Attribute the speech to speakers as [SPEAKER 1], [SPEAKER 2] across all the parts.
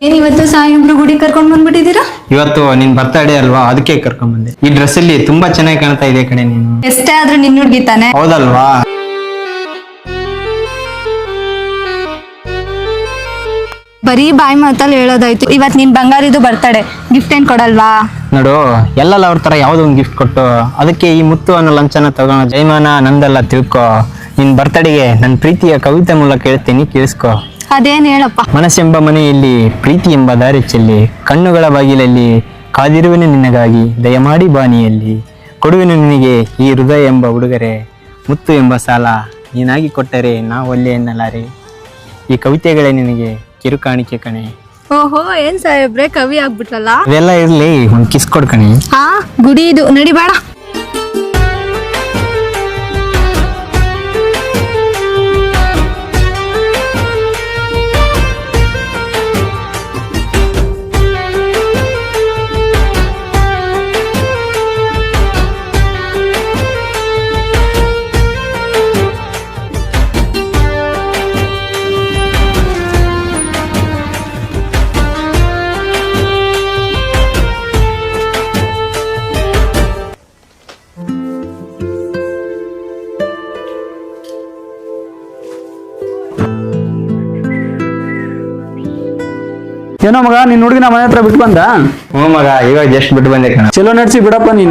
[SPEAKER 1] ಏನಿವತ್ತು ಸಾಯಿಬ್ರು ಗುಡಿ ಕರ್ಕೊಂಡ್ ಬಂದ್ಬಿಟ್ಟಿದ್ದೀರಾ?
[SPEAKER 2] ಇವತ್ತು ನಿನ್ ಬರ್ತಡೇ ಅಲ್ವಾ, ಅದಕ್ಕೆ ಕರ್ಕೊಂಡ್ ಬಂದೆ. ಈ ಡ್ರೆಸ್ ಅಲ್ಲಿ ತುಂಬಾ ಚೆನ್ನಾಗಿ ಕಾಣ್ತಾ ಇದೆ ಕಣೆ ನೀನು.
[SPEAKER 1] ಎಷ್ಟೇ ಆದ್ರೂ ನಿನ್ ಹುಡ್ಗಿ ತಾನೆ.
[SPEAKER 2] ಹೌದಲ್ವಾ?
[SPEAKER 1] ಬರೀ ಬಾಯಿ ಮಾತಲ್ಲಿ ಹೇಳೋದಾಯ್ತು. ಇವತ್ ನಿನ್ ಬಂಗಾರಿದು ಬರ್ತಡೇ, ಗಿಫ್ಟ್ ಏನ್ ಕೊಡಲ್ವಾ?
[SPEAKER 2] ನೋಡು, ಎಲ್ಲಲ್ಲ ಅವ್ರ ತರ ಯಾವ್ದೋ ಒಂದು ಗಿಫ್ಟ್ ಕೊಟ್ಟು ಅದಕ್ಕೆ ಈ ಮುತ್ತು ಅನ್ನೋ ಲಂಚನ ತಗೋಣ. ಜೈಮಾನ ನಂದಲ್ಲ ತಿಳ್ಕೊ. ನಿನ್ ಬರ್ತಡೆಗೆ ನನ್ ಪ್ರೀತಿಯ ಕವಿತೆ ಮೂಲಕ ಹೇಳ್ತೀನಿ, ಕೇಳಿಸ್ಕೊ.
[SPEAKER 1] ಅದೇನ್ ಹೇಳಪ್ಪ.
[SPEAKER 2] ಮನಸ್ಸೆಂಬ ಮನೆಯಲ್ಲಿ ಪ್ರೀತಿ ಎಂಬ ದಾರಿ ಚೆಲ್ಲಿ, ಕಣ್ಣುಗಳ ಬಾಗಿಲಲ್ಲಿ ಕಾದಿರುವೆನು ನಿನಗಾಗಿ, ದಯಮಾಡಿ ಬಾನಿಯಲ್ಲಿ ಕೊಡುವೆನು ನಿನಗೆ ಈ ಹೃದಯ ಎಂಬ ಉಡುಗೊರೆ, ಮುತ್ತು ಎಂಬ ಸಾಲ ನೀನಾಗಿ ಕೊಟ್ಟರೆ ನಾ ಒಲ್ಲೆ ಎನ್ನಲಾರೆ. ಈ ಕವಿತೆಗಳೇ ನಿನಗೆ ಕಿರುಕಾಣಿಕೆ ಕಣೆ.
[SPEAKER 1] ಓಹೋ, ಏನ್ ಸಾಹೇಬ್ರೆ ಕವಿ ಆಗ್ಬಿಟ್ರಲ್ಲ.
[SPEAKER 2] ಇವೆಲ್ಲ ಇರ್ಲಿ, ಒಂದ್ ಕಿಸ್ ಕೊಡ್ಕಣೆ.
[SPEAKER 1] ಹಾ, ಗುಡಿ ಇದು ನಡಿ ಬೇಡ.
[SPEAKER 3] ಏನೋ ಮಗ, ನಿನ್ ಹುಡುಗಿನ ಮನೆ ಹತ್ರ ಬಿಟ್ಟು ಬಂದ?
[SPEAKER 2] ಹ್ಞೂ ಮಗ, ಇವಾಗ ಜಸ್ಟ್ ಬಿಟ್ಟು ಬಂದೆ ಕಣ.
[SPEAKER 3] ಚಲೋ ನಡ್ಸಿ ಬಿಡಪ್ಪ ನೀನು.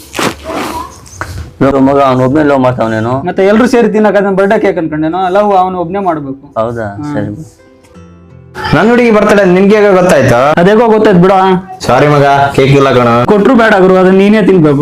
[SPEAKER 4] ಮಗ ಅವ್ನ ಒಬ್ನೇ ಲವ್ ಮಾಡ್ತಾವನೇನು?
[SPEAKER 3] ಮತ್ತೆ ಎಲ್ರು ಸೇರಿ ತಿನ್ನಕ ಬರ್ಡೇ ಕೇಕ್ ಅನ್ಕೊಂಡೇನೋ. ಲವ್ ಅವನು ಒಬ್ನೇ ಮಾಡ್ಬೇಕು.
[SPEAKER 4] ಹೌದಾ? ಸರಿ.
[SPEAKER 2] ನನ್ನ ಹುಡುಗಿ ಬರ್ತಡೆ ನಿನ್ಗೆ ಗೊತ್ತಾಯ್ತು?
[SPEAKER 3] ಅದೇಗೋ ಗೊತ್ತಾಯ್ತು ಬಿಡ.
[SPEAKER 2] ಸಾರಿ ಮಗ, ಕೇಕ್ ಇಲ್ಲ ಕಣ.
[SPEAKER 3] ಕೊಟ್ರು ಬೇಡ ಗುರು, ಅದನ್ನ ನೀನೇ ತಿನ್ಬೇಕು.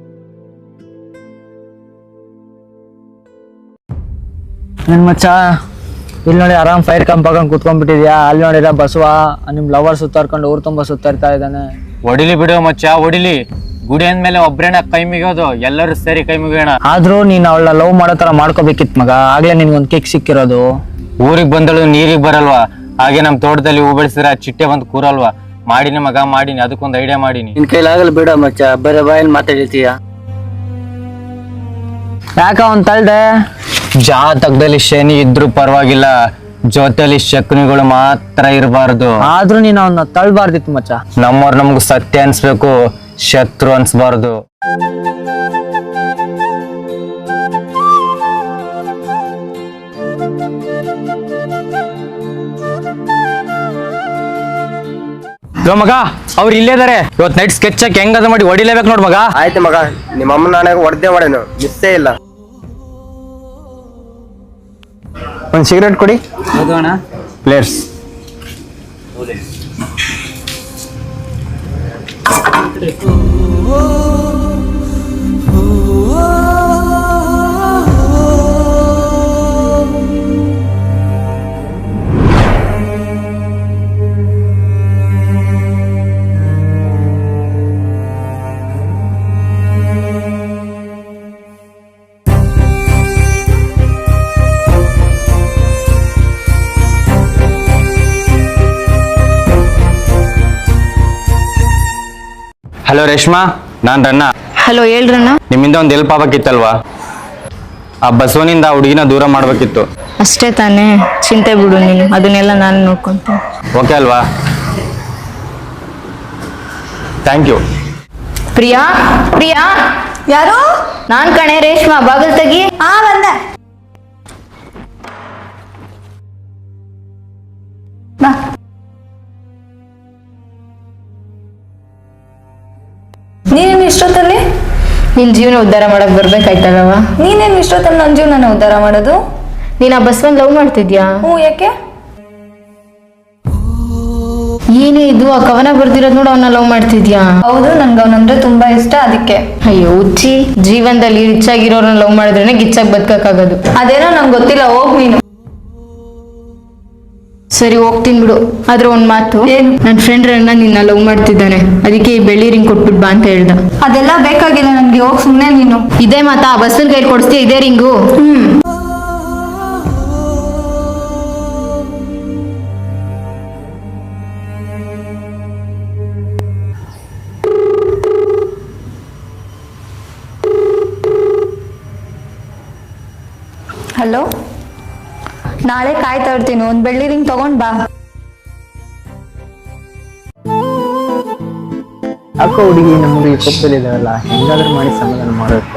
[SPEAKER 5] ನನ್ ಮಚ್ಚ, ಇಲ್ಲಿ ನೋಡಿ ಆರಾಮ್ ಫೈರ್ ಕಂಪ್ ಹಾಕೊಂಡ್ ಕುತ್ಕೊಂಡ್ಬಿಟ್ಟಿದ್ಯಾ. ಅಲ್ಲಿ ನೋಡಿರ ಬಸವ ನಿಮ್ ಲವರ್ ಸುತ್ತಾರ್ಕೊಂಡು ಊರ್ ತುಂಬಾ ಸುತ್ತಾಡ್ತಾ ಇದ್ದಾನೆ.
[SPEAKER 6] ಹೊಡಿಲಿ ಬಿಡು ಮಚ್ಚ, ಹೊಡಿಲಿ. ಗುಡಿ ಅಂದ್ಮೇಲೆ ಒಬ್ರೇನ ಕೈ ಮುಗಿಯೋದು, ಎಲ್ಲರೂ ಸೇರಿ ಕೈ ಮುಗಿಯೋಣ.
[SPEAKER 5] ಆದ್ರೂ ನೀನ್ ಅವಳ ಲವ್ ಮಾಡೋ ತರ ಮಾಡ್ಕೋಬೇಕಿತ್ ಮಗ. ಆಗ್ಲೇ ನಿನ್ಗೊಂದ್ ಕೇಕ್ ಸಿಕ್ಕಿರೋದು.
[SPEAKER 6] ಊರಿಗೆ ಬಂದಳು ನೀರಿಗೆ ಬರಲ್ವಾ? ಹಾಗೆ ನಮ್ ತೋಟದಲ್ಲಿ ಹೂ ಬೆಳೆಸಿದ್ರೆ ಚಿಟ್ಟೆ ಬಂದು ಕೂರಲ್ವಾ? ಮಾಡಿನಿ ಮಗ, ಮಾಡಿನಿ. ಅದಕ್ಕೊಂದು ಐಡಿಯಾ ಮಾಡಿನಿ.
[SPEAKER 4] ನಿನ್ ಕೈಲಾಗಲ್ಲ ಬಿಡ ಮಚ್ಚ, ಬರೀ ಬಾಯಲ್ಲಿ ಮಾತಾಡಿರ್ತೀಯ.
[SPEAKER 5] ಯಾಕ ಅವ್ನ್ ತಳ್ದೆ?
[SPEAKER 6] ಜಾತಕದಲ್ಲಿ ಶನಿ ಇದ್ರು ಪರವಾಗಿಲ್ಲ, ಜೊತೆಲಿ ಶಕುನಿಗಳು ಮಾತ್ರ ಇರಬಾರ್ದು.
[SPEAKER 5] ಆದ್ರೂ ನೀನ್ ಅವನ್ನ ತಳ್ಬಾರ್ದಿತ್ತು ಮಚ್ಚ.
[SPEAKER 6] ನಮ್ಮವ್ರು ನಮ್ಗೆ ಸತ್ಯ ಅನ್ಸ್ಬೇಕು, ಶತ್ರು ಅನ್ಸ್ಬಾರ್ದು. ಮಗ, ಅವ್ರು ಇಲ್ಲೇ ಇದಾರೆ. ಇವತ್ ನೈಟ್ ಸ್ಕೆಚ್ ಹಾಕಿ ಹೆಂಗದ ಮಾಡಿ ಹೊಡಿಲೇಬೇಕು ನೋಡ್ ಮಗ.
[SPEAKER 7] ಆಯ್ತು ಮಗ, ನಿಮ್ಮ ಅಮ್ಮ ನಾನೇ ಹೊಡೆದೇ ಮಾಡೇನು, ಮಿಸ್ಸೇ ಇಲ್ಲ.
[SPEAKER 2] ಒಂದ್ ಸಿಗರೇಟ್ ಕೊಡಿ ಪ್ಲೇಯರ್ಸ್.
[SPEAKER 6] ಹಲೋ ರೇಷ್ಮಾ, ನಾನ್ ರನ್ನ.
[SPEAKER 1] ಹಲೋ, ಹೇಳ್ರಣ್ಣ.
[SPEAKER 6] ನಿಮ್ಮಿಂದ ಒಂದ್ ಹೆಲ್ಪ್ ಆಗ್ಬೇಕಿತ್ತಲ್ವಾ? ಆ ಬಸವನಿಂದ ಆ ಹುಡುಗಿನ ದೂರ ಮಾಡ್ಬೇಕಿತ್ತು.
[SPEAKER 1] ಅಷ್ಟೇ ತಾನೇ, ಚಿಂತೆ ಬಿಡು ನೀನು, ಅದನ್ನೆಲ್ಲ ನಾನು ನೋಡ್ಕೊಂತೀನಿ.
[SPEAKER 6] ಓಕೆ ಅಲ್ವಾ? Thank you.
[SPEAKER 8] ಪ್ರಿಯಾ, ಪ್ರಿಯಾ.
[SPEAKER 1] ಯಾರು?
[SPEAKER 8] ನಾನ್ ಕಣೆ, ರೇಷ್ಮಾ. ಬಾಗಲ್ ತೆಗಿ.
[SPEAKER 1] ಹಾ, ಬಂದೆ. ಬಾ. ನೀನೇನು ಇಷ್ಟೊತ್ತಲ್ಲಿ?
[SPEAKER 8] ನಿನ್ ಜೀವನ ಉದ್ಧಾರ ಮಾಡಕ್ ಬರ್ಬೇಕಾಯ್ತಲ್ಲವ.
[SPEAKER 1] ನೀನೇನು ಇಷ್ಟೊತ್ತಲ್ಲಿ ನನ್ನ ಜೀವನ ಉದ್ಧಾರ ಮಾಡೋದು?
[SPEAKER 8] ನೀನ್ ಆ ಬಸವನ್ ಲವ್ ಮಾಡ್ತಿದ್ಯಾ?
[SPEAKER 1] ಹ್ಞೂ, ಯಾಕೆ?
[SPEAKER 8] ಏನೇ ಇದು, ಆ ಕವನ ಬರ್ದಿರೋದ್ ನೋಡು, ಅವನ್ನ ಲವ್ ಮಾಡ್ತಿದ್ಯಾ?
[SPEAKER 1] ಹೌದು, ನನ್ಗೆ ಅವನಂದ್ರೆ ತುಂಬಾ ಇಷ್ಟ, ಅದಕ್ಕೆ.
[SPEAKER 8] ಅಯ್ಯೋ ಹುಚ್ಚಿ, ಜೀವನದಲ್ಲಿ ರಿಚ್ ಆಗಿರೋರನ್ನ ಲವ್ ಮಾಡಿದ್ರೇನೆ ಗಿಚ್ಚಾಗಿ ಬದುಕಕ್ಕಾಗೋದು.
[SPEAKER 1] ಅದೇನೋ ನಂಗೆ ಗೊತ್ತಿಲ್ಲ, ಹೋಗ್ ನೀನು.
[SPEAKER 8] ಸರಿ, ಹೋಗ್ತೀನಿ ಬಿಡು. ಆದ್ರೆ ಒಂದ್ ಮಾತು, ನನ್ ಫ್ರೆಂಡ್ ರನ್ನ ನಿನ್ನ ಲವ್ ಮಾಡ್ತಿದ್ದಾನೆ, ಅದಕ್ಕೆ ಈ ಬೆಳ್ಳಿ ರಿಂಗ್ ಕೊಟ್ಬಿಟ್ ಬಾ ಅಂತ ಹೇಳ್ದ.
[SPEAKER 1] ಅದೆಲ್ಲ ಬೇಕಾಗಿಲ್ಲ ನನ್ಗೆ, ಹೋಗ್ ಸುಮ್ನೆ ನೀನು.
[SPEAKER 8] ಇದೇ ಮಾತಾ? ಆ ಬಸ್ಸನ್ ಕೈ ಕೊಡಿಸ್ತೀಯ ಇದೇ ರಿಂಗು?
[SPEAKER 1] ಹಲೋ, ನಾಳೆ ಕಾಯ್ತಾ ಇರ್ತೀನಿ, ಒಂದು ಬೆಳ್ಳಿ ರಿಂಗ್ ತಗೊಂಡ್ ಬಾ.
[SPEAKER 2] ಯಾಕೋ ಹುಡುಗಿ ನಮ್ಮ ಹುಡುಗಿ ಕೋಪದಲ್ಲಿದ್ದಾವಲ್ಲ, ಹೆಂಗಾದ್ರೂ ಮಾಡಿ ಸಮಾಧಾನ ಮಾಡಬೇಕು.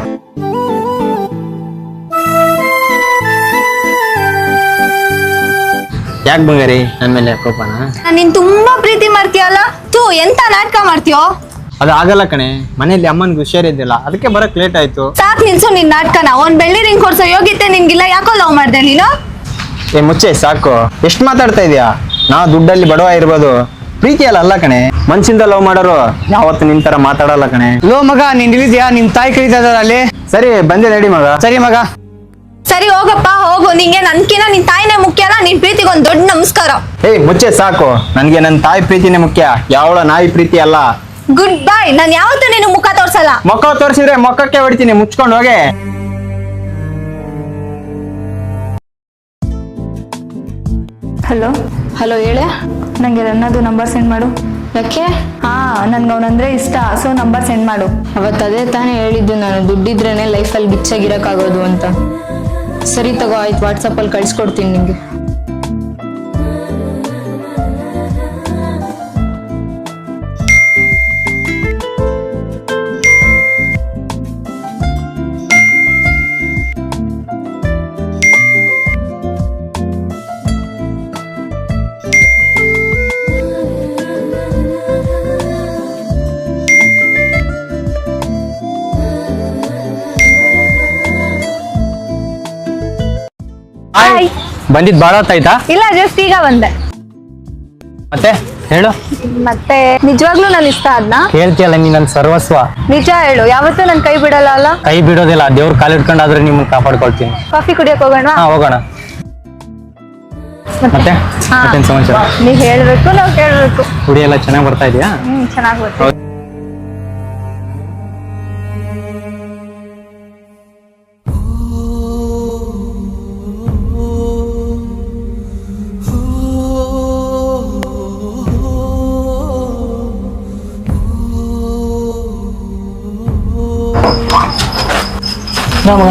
[SPEAKER 2] ಯಾಕೆ ಬಂಗಾರಿ ನನ್ನ ಮೇಲೆ ಕೋಪನ?
[SPEAKER 1] ನೀನ್ ತುಂಬಾ ಪ್ರೀತಿ ಮಾಡ್ತೀಯಲ್ಲ, ಎಂತ ನಾಟಕ ಮಾಡ್ತೀಯೋ?
[SPEAKER 2] ಅದು ಆಗಲ್ಲ ಕಣೆ, ಮನೇಲಿ ಅಮ್ಮನ್ಗೆ ಹುಷಾರಿದ್ದಿಲ್ಲ, ಅದಕ್ಕೆ ಬರಕ್ ಲೇಟ್ ಆಯ್ತು.
[SPEAKER 1] ಸಾಕ್ ನಿಲ್ಸು ನಿನ್ ನಾಟಕನ. ಒಂದ್ ಬೆಳ್ಳಿ ರಿಂಗ್ ಕೊಡ್ಸೋ ಯೋಗ್ಯತೆ ನಿನ್ಗಿಲ್ಲ, ಯಾಕೋ ಲವ್ ಮಾಡ್ದೆ ನೀನು?
[SPEAKER 2] ಏ ಮುಚ್ಚೆ ಸಾಕು, ಎಷ್ಟು ಮಾತಾಡ್ತಾ ಇದೀಯಾ? ನಾವು ದುಡ್ಡಲ್ಲಿ ಬಡವ ಇರ್ಬೋದು, ಪ್ರೀತಿ ಅಲ್ಲ ಕಣೆ. ಮನ್ಸಿಂದ ಲವ್ ಮಾಡೋರು ಯಾವತ್ತು ನಿನ್ ತರ ಮಾತಾಡಲ್ಲ ಕಣೆ.
[SPEAKER 5] ಲೋ ಮಗ, ನೀನ್ ಇಳಿದ್ಯಾ? ನಿಮ್ ತಾಯಿ ಕರೀತಾ ಇದಾರೆ ಅಲ್ಲಿ.
[SPEAKER 2] ಸರಿ ಬಂದೆ ನಡಿ ಮಗ.
[SPEAKER 5] ಸರಿ ಮಗ.
[SPEAKER 1] ಸರಿ ಹೋಗಪ್ಪ ಹೋಗು, ನಿಂಗೆ ನನ್ಕಿನ ನಿನ್ ತಾಯಿನೇ ಮುಖ್ಯನಾ? ನಿನ್ ಪ್ರೀತಿಗೆ ಒಂದ್ ದೊಡ್ಡ ನಮಸ್ಕಾರ.
[SPEAKER 2] ಏಯ್ ಮುಚ್ಚೆ ಸಾಕು, ನನ್ಗೆ ನನ್ನ ತಾಯಿ ಪ್ರೀತಿನೇ ಮುಖ್ಯ, ಯಾವಳ ನಾಯಿ ಪ್ರೀತಿ ಅಲ್ಲ.
[SPEAKER 1] Good bye. ನಾನ್ ಯಾವತ್ತೂ ನೀನು ಮುಖ ತೋರ್ಸಲ್ಲ.
[SPEAKER 2] ಮೊಕ್ಕ ತೋರಿಸಿದ್ರೆ ಮೊಕ್ಕಕ್ಕೆ ಹೊಡಿತೀನಿ, ಮುಚ್ಕೊಂಡು ಹೋಗೆ.
[SPEAKER 1] ಹಲೋ
[SPEAKER 8] ಹಲೋ ಹೇಳೆ.
[SPEAKER 1] ನಂಗೆ ರನ್ನದು ನಂಬರ್ ಸೆಂಡ್ ಮಾಡು.
[SPEAKER 8] ಯಾಕೆ?
[SPEAKER 1] ಹಾ, ನನ್ಗೆ ಅವನಂದ್ರೆ ಇಷ್ಟ, ಸೊ ನಂಬರ್ ಸೆಂಡ್ ಮಾಡು.
[SPEAKER 8] ಅವತ್ತು ಅದೇ ತಾನೇ ಹೇಳಿದ್ದು ನಾನು, ದುಡ್ಡಿದ್ರೇನೆ ಲೈಫಲ್ಲಿ ಗಿಚ್ಚಾಗಿರಕ್ಕಾಗೋದು ಅಂತ. ಸರಿ ತಗೋ, ಆಯ್ತು, ವಾಟ್ಸಪ್ಪಲ್ಲಿ ಕಳ್ಸ್ಕೊಡ್ತೀನಿ ನಿಂಗೆ.
[SPEAKER 1] ಹಾಯ್.
[SPEAKER 2] ಬಂದಿದ್ ಬಾಳ ಹೊತ್ತಾಯ್ತಾ?
[SPEAKER 1] ಇಲ್ಲ, ಜಸ್ಟ್ ಈಗ ಬಂದೆ.
[SPEAKER 2] ಮತ್ತೆ ಹೇಳು.
[SPEAKER 1] ಮತ್ತೆ ನಿಜವಾಗ್ಲೂ ನನ್ ಇಷ್ಟ ಅದ್ನ?
[SPEAKER 2] ಹೇಳ್ತೀಯಲ್ಲ ನೀ ನನ್ನ ಸರ್ವಸ್ವ.
[SPEAKER 1] ನಿಜ ಹೇಳು, ಯಾವತ್ತೂ ನನ್ ಕೈ ಬಿಡಲ್ಲ ಅಲ್ಲ?
[SPEAKER 2] ಕೈ ಬಿಡೋದಿಲ್ಲ, ದೇವ್ರ ಕಾಲು ಇಟ್ಕೊಂಡಾದ್ರೆ ನಿಮ್ಮನ್ನ ಕಾಪಾಡ್ಕೊಳ್ತೀನಿ.
[SPEAKER 1] ಕಾಫಿ ಕುಡಿಯಕ್ ಹೋಗೋಣ?
[SPEAKER 2] ಹಾ ಹೋಗೋಣ. ಮತ್ತೆ
[SPEAKER 1] ಹಾ.
[SPEAKER 2] ಮತ್ತೇನ್ ಸಮಾಚಾರ?
[SPEAKER 1] ನೀವ್ ಹೇಳ್ಬೇಕು, ನಾವ್ ಕೇಳ್ಬೇಕು.
[SPEAKER 2] ಹುಡಿ ಎಲ್ಲ ಚೆನ್ನಾಗಿ ಬರ್ತಾ ಇದೆಯಾ?
[SPEAKER 1] ಚೆನ್ನಾಗ್ ಗೊತ್ತು.
[SPEAKER 5] ಮಗ,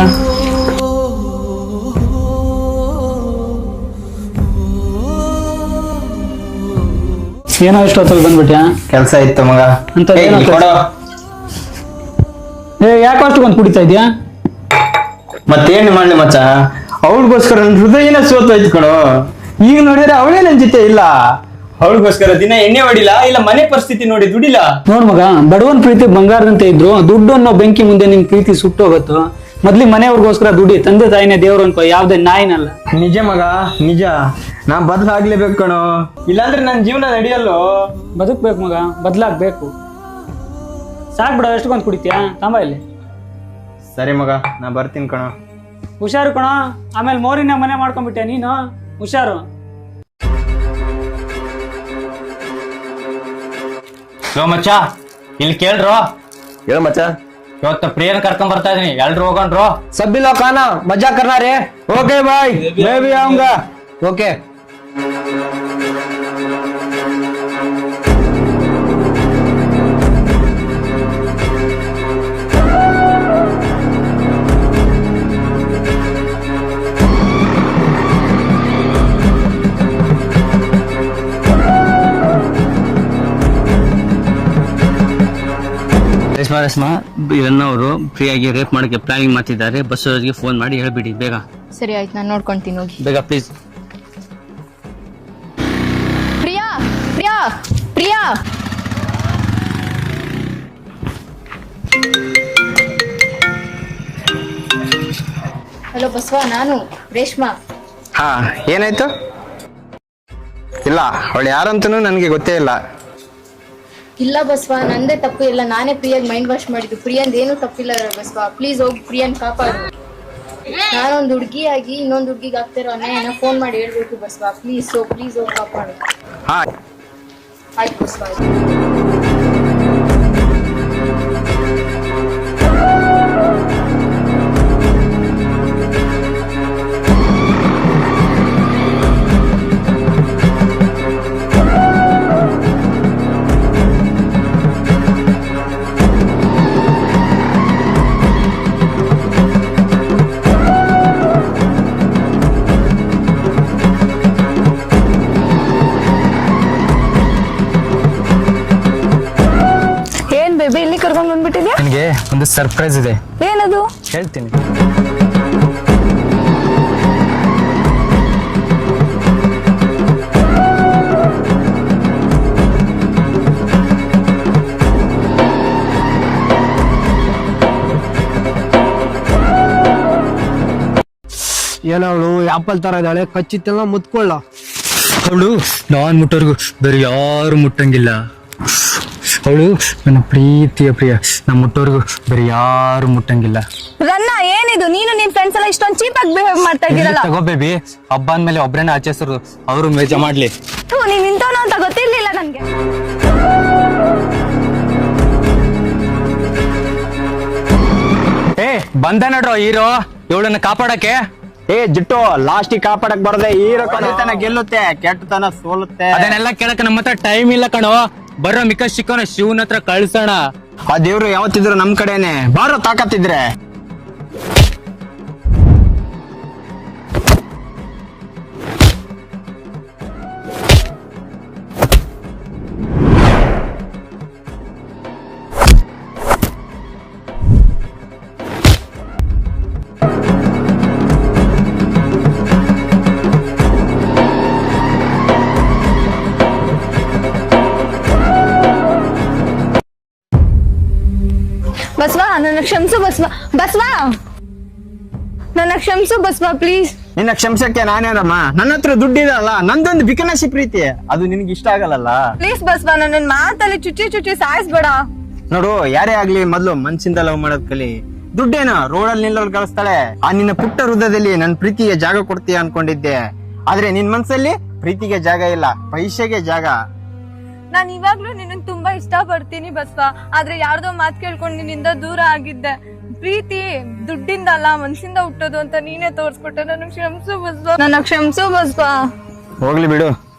[SPEAKER 5] ಏನೋ ಇಷ್ಟೊತ್ತಲ್ಲಿ ಬಂದ್ಬಿಟ್ಯಾ?
[SPEAKER 2] ಕೆಲಸ ಇತ್ತು ಮಗ.
[SPEAKER 5] ಅಂಥದ್ದು
[SPEAKER 2] ಏ,
[SPEAKER 5] ಏನೋ
[SPEAKER 2] ಇಲ್ಲಿ ಕೊಡು.
[SPEAKER 5] ಯಾಕೆ ಅಷ್ಟೊಂದು ಕುಡಿತಾ ಇದೆಯಾ?
[SPEAKER 2] ಮತ್ತೇನ್ ಮಾಡ್ಲಿ ಮಚ್ಚ, ಅವಳಿಗೋಸ್ಕರ ನನ್ನ ಹೃದಯನ ಸೋತೋಯ್ತು ಕಣೋ. ಈಗ ನೋಡಿದ್ರೆ ಅವಳೇ ನನ್ ಜೊತೆ ಇಲ್ಲ. ಅವಳಿಗೋಸ್ಕರ ದಿನ ಎಣ್ಣೆ ಹೊಡಿಲ್ಲ, ಇಲ್ಲ ಮನೆ ಪರಿಸ್ಥಿತಿ ನೋಡಿ ದುಡಿಲ್ಲ.
[SPEAKER 5] ನೋಡ್ ಮಗ, ಬಡವನ್ ಪ್ರೀತಿ ಬಂಗಾರದಂತೆ ಇದ್ರು, ದುಡ್ಡು ಅನ್ನೋ ಬೆಂಕಿ ಮುಂದೆ ನಿನ್ ಪ್ರೀತಿ ಸುಟ್ಟೋಗತ್ತು. ಮೊದ್ಲಿ ಮನೆಯವ್ರಿಗೋಸ್ಕರ ದುಡಿ, ತಂದೆ ತಾಯಿನೇ ದೇವ್ರು ಅನ್ಕೋ, ಯಾವ್ದೇ ನಾಯಿನಲ್ಲ.
[SPEAKER 2] ನಿಜ ಮಗ ನಿಜ, ನಾ ಬದಲಾಗ್ಲೇಬೇಕು ಕಣೋ, ಇಲ್ಲಾಂದ್ರೆ ನನ್ನ ಜೀವನ ನಡೆಯಲ್ಲೋ.
[SPEAKER 5] ಬದುಕ್ಬೇಕು ಮಗ, ಬದ್ಲಾಗ್ಬೇಕು. ಸಾಕ್ ಬಿಡ, ಎಷ್ಟೊಂದು ಕುಡಿತೀಯಾ? ತಾಂಬ ಇಲ್ಲಿ.
[SPEAKER 2] ಸರಿ ಮಗ, ನಾ ಬರ್ತೀನಿ ಕಣೋ.
[SPEAKER 5] ಹುಷಾರು ಕಣ, ಆಮೇಲೆ ಮೋರಿನ ಮನೆ ಮಾಡ್ಕೊಂಡ್ಬಿಟ್ಟೆ ನೀನು, ಹುಷಾರು.
[SPEAKER 6] ಲೋ ಮಚ್ಚ, ಇಲ್ಲಿ ಕೇಳ್ರೋ.
[SPEAKER 7] ಹೇಳ ಮಚ್ಚ.
[SPEAKER 6] ಇವತ್ತು ಪ್ರಿಯನ್ ಕರ್ಕೊಂಡ್ ಬರ್ತಾ ಇದೀನಿ, ಎಲ್ರು ಹೋಗಣ್ರು.
[SPEAKER 7] ಸಬ್ಬಿ ಲೋಗ್ ಖಾನಾ ಮಜಾ ಕರ್ನಾ ರೇ.
[SPEAKER 2] ಓಕೆ ಬಾಯ್, ಮೇ ಬಿ ಆऊंगा.
[SPEAKER 7] ಓಕೆ.
[SPEAKER 4] ರೇಷ್ಮಾ ಅವರು ಫ್ರೀಯಾಗಿ ರೇಪ್ ಮಾಡಕ್ಕೆ ಪ್ಲಾನಿಂಗ್ ಮಾಡ್ತಿದ್ದಾರೆ. ಬಸ್ ಅವರಿಗೆ ಫೋನ್ ಮಾಡಿ ಹೇಳ್ಬಿಡಿ ಬೇಗ.
[SPEAKER 8] ಸರಿ ಆಯ್ತು, ನಾನು ನೋಡ್ಕೊಂತೀನಿ, ಹೋಗಿ.
[SPEAKER 4] ಬೇಗ ಪ್ಲೀಸ್.
[SPEAKER 8] ಪ್ರಿಯಾ, ಪ್ರಿಯಾ, ಪ್ರಿಯಾ. ಹಲೋ ಬಸವ, ನಾನು ರೇಷ್ಮಾ.
[SPEAKER 2] ಹಾ, ಏನಾಯ್ತು? ಇಲ್ಲ, ಅವಳು ಯಾರಂತನೂ ನನಗೆ ಗೊತ್ತೇ ಇಲ್ಲ.
[SPEAKER 8] ಇಲ್ಲ ಬಸವ, ನಂದೇ ತಪ್ಪು ಇಲ್ಲ, ನಾನೇ ಪ್ರಿಯಾಗ್ ಮೈಂಡ್ ವಾಶ್ ಮಾಡಿದ್ದು. ಪ್ರಿಯಂದ್ ಏನು ತಪ್ಪಿಲ್ಲ ಬಸವ, ಪ್ಲೀಸ್ ಹೋಗಿ ಪ್ರಿಯನ್ ಕಾಪಾಡು. ನಾನೊಂದು ಹುಡುಗಿಯಾಗಿ ಇನ್ನೊಂದು ಹುಡುಗಿಗೆ ಆಗ್ತಿರೋ ಅನ್ಯಾಯನ ಫೋನ್ ಮಾಡಿ ಹೇಳ್ಬೇಕು ಬಸವ, ಪ್ಲೀಸ್ ಹೋಗಿ ಕಾಪಾಡು.
[SPEAKER 2] ಹಾ
[SPEAKER 8] ಆಯ್ತು ಬಸವ.
[SPEAKER 1] ಕರ್ಕೊಂಡ್ ಬಂದ್ಬಿಟ್ಟಿದ್ಯಾ?
[SPEAKER 2] ನಿನಗೆ ಒಂದು ಸರ್ಪ್ರೈಸ್ ಇದೆ,
[SPEAKER 1] ಏನದು?
[SPEAKER 2] ಹೇಳ್ತೀನಿ.
[SPEAKER 7] ಏನವಳು ಆಪಲ್ ತರ ಇದ್ದಾಳೆ, ಕಚ್ಚಿತ್ತೆಲ್ಲ ಮುತ್ಕೊಳ್ಳ.
[SPEAKER 2] ಅವಳು ನಾನ್ ಮುಟ್ಟೋರ್ಗು ಬೇರೆ ಯಾರು ಮುಟ್ಟಂಗಿಲ್ಲ. ಅವಳು ನನ್ನ ಪ್ರೀತಿಯ ಪ್ರಿಯ, ನಾ ಮುಟ್ಟೋರ್ಗು ಬೇರೆ ಯಾರು ಮುಟ್ಟಂಗಿಲ್ಲ.
[SPEAKER 1] ರನ್ನ, ಏನಿದು? ನೀನು ನಿನ್ ಫ್ರೆಂಡ್ಸ್ ಎಲ್ಲ ಇಷ್ಟೊಂದು ಚೀಪ್ ಆಗಿ ಬಿಹೇವ್ ಮಾಡ್ತಾ ಇದ್ದೀರಲ್ಲ.
[SPEAKER 2] ತಗೋ ಬೇಬಿ, ಹಬ್ಬ ಅಂದ್ಮೇಲೆ ಒಬ್ರೇನ ಆಚರಿಸೋರು, ಅವರು ಮೇಜ ಮಾಡ್ಲಿ.
[SPEAKER 1] ನೀನ್ ಇಂಥವನು ಅಂತ ಗೊತ್ತಿರ್ಲಿಲ್ಲ ನನ್ಗೆ.
[SPEAKER 2] ಬಂದ ನಡ್ರೋ ಹೀರೋ ಇವಳನ್ನ ಕಾಪಾಡಕ್ಕೆ.
[SPEAKER 7] ಜಿಟ್ಟು ಲಾಸ್ಟಿಗೆ ಕಾಪಾಡಕ್ ಬರದೆ ಹೀರೋ ಕಲಿತನ ಗೆಲ್ಲುತ್ತೆ, ಕೆಟ್ಟತನ ಸೋಲುತ್ತೆ.
[SPEAKER 2] ಅದನ್ನೆಲ್ಲ ಕೇಳಕ್ ನಮ್ಮ ಹತ್ರ ಟೈಮ್ ಇಲ್ಲ ಕಣೋ. ಬರೋ ಮಿಕ್ಕ ಶಿಕೋನ ಶಿವನ ಹತ್ರ ಕಳ್ಸೋಣ.
[SPEAKER 7] ಆ ದೇವ್ರು ಯಾವತ್ತಿದ್ರು ನಮ್ ಕಡೆನೆ, ಬಾರೋ ತಾಕತ್ತಿದ್ರೆ.
[SPEAKER 1] ಬಸ್ವಾ, ನನ್ನ ಕ್ಷಮಿಸು ಬಸ್ವಾ. ಬಸ್ವಾ, ನನ್ನ ಕ್ಷಮಿಸು ಬಸ್ವಾ, ಪ್ಲೀಸ್.
[SPEAKER 7] ನಿನ್ನ ಕ್ಷಮಿಸಕ್ಕೆ ನಾನೇನಮ್ಮ, ನನ್ನ ಹತ್ರ ದುಡ್ಡಿದಲ್ಲ, ನಂದೊಂದು ಬಿಕನಸಿ ಪ್ರೀತಿ, ಅದು ನಿನ್ಗೆ ಇಷ್ಟ ಆಗಲ್ಲ.
[SPEAKER 1] ಪ್ಲೀಸ್ ಬಸ್ವಾ, ನನ್ನ ಮಾತಲ್ಲಿ ಚುಚ್ಚಿ ಸಾಯಿಸ್ಬೇಡ.
[SPEAKER 7] ನೋಡು, ಯಾರೇ ಆಗ್ಲಿ ಮೊದ್ಲು ಮನ್ಸಿಂದ ಲವ್ ಮಾಡೋದ್ ಕಲಿ. ದುಡ್ಡೇನ ರೋಡಲ್ಲಿ ನಿಲ್ಲೋಲ್ ಕಳಿಸ್ತಾಳೆ. ಆ ನಿನ್ನ ಪುಟ್ಟ ಹೃದಯದಲ್ಲಿ ನನ್ ಪ್ರೀತಿಗೆ ಜಾಗ ಕೊಡ್ತೀಯ ಅನ್ಕೊಂಡಿದ್ದೆ, ಆದ್ರೆ ನಿನ್ ಮನ್ಸಲ್ಲಿ ಪ್ರೀತಿಗೆ ಜಾಗ ಇಲ್ಲ, ಪೈಸೆಗೆ ಜಾಗ.
[SPEAKER 1] ನಾನು ಇವಾಗ್ಲೂ ನಿನ್ನ ತುಂಬಾ ಇಷ್ಟ ಪಡ್ತೀನಿ ಬಸ್ವಾ, ಆದ್ರೆ ಯಾರ್ದೋ ಮಾತು ಕೇಳ್ಕೊಂಡು ನಿನ್ನಿಂದ ದೂರ ಆಗಿದ್ದೆ. ಪ್ರೀತಿ ದುಡ್ಡಿಂದ ಅಲ್ಲ, ಮನ್ಸಿಂದ ಹುಟ್ಟೋದು ಅಂತ ನೀನೇ ತೋರ್ಸ್ಕೊಟ್ಟೆ. ನನ್ನ ಕ್ಷಮಿಸು ಬಸ್ವಾ, ನನ್ನ ಕ್ಷಮಿಸು ಬಸ್ವಾ.
[SPEAKER 7] ಹೋಗ್ಲಿ ಬಿಡು.